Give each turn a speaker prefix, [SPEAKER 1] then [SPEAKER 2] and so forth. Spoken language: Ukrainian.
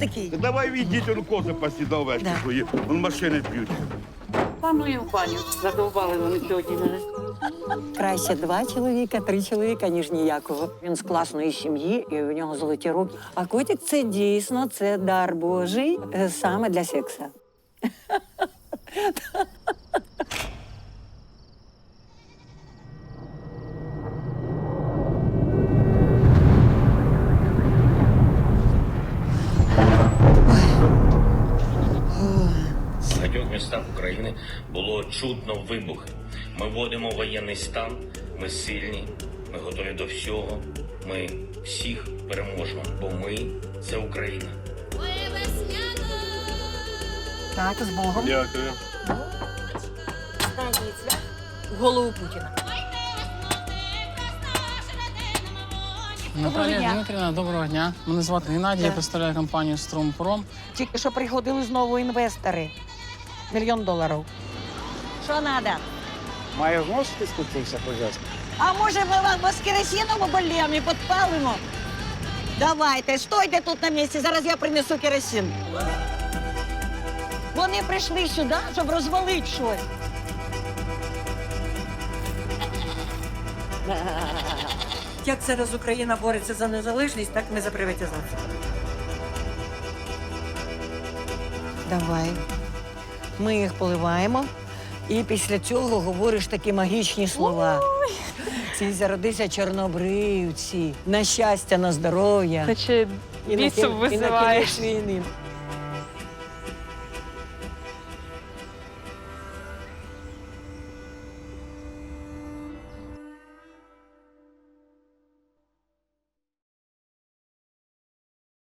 [SPEAKER 1] такий?
[SPEAKER 2] Давай відійдіть, он кози пасі до овечки
[SPEAKER 1] Да.
[SPEAKER 2] свої, он машини б'ють.
[SPEAKER 3] Планую в баню. Задовбали вони сьогодні мене.
[SPEAKER 1] Краще 2 чоловіка, 3 чоловіка, ніж ніякого. Він з класної сім'ї, і у нього золоті руки. А котик – це дійсно, це дар Божий саме для секса.
[SPEAKER 4] В багатьох містах України було чутно вибухи. Ми вводимо воєнний стан, ми сильні, ми готові до всього, ми всіх переможемо, бо ми – це Україна.
[SPEAKER 1] Так, з Богом.
[SPEAKER 2] Дякую.
[SPEAKER 1] В голову Путіна.
[SPEAKER 5] Наталія Дмитрівна, доброго дня. Мене звати Геннадій, я представляю компанію «Струмпром».
[SPEAKER 1] Тільки що приходили знову інвестори. $1 мільйон. Що треба?
[SPEAKER 6] Маю змусити скупитися, пожалуйста.
[SPEAKER 1] А може ми вас керосином обольємо і підпалимо? Давайте, стойте тут на місці, зараз я принесу керосин. Вони прийшли сюди, щоб розвалити щось. Як зараз Україна бореться за незалежність, так ми за приватизацію. Давай. Ми їх поливаємо. І після цього говориш такі магічні слова. Ці зародися чорнобривці, на щастя, на здоров'я.
[SPEAKER 7] Наче
[SPEAKER 1] І на
[SPEAKER 7] бісом
[SPEAKER 1] і на
[SPEAKER 7] визиваєш.
[SPEAKER 1] кінець війни.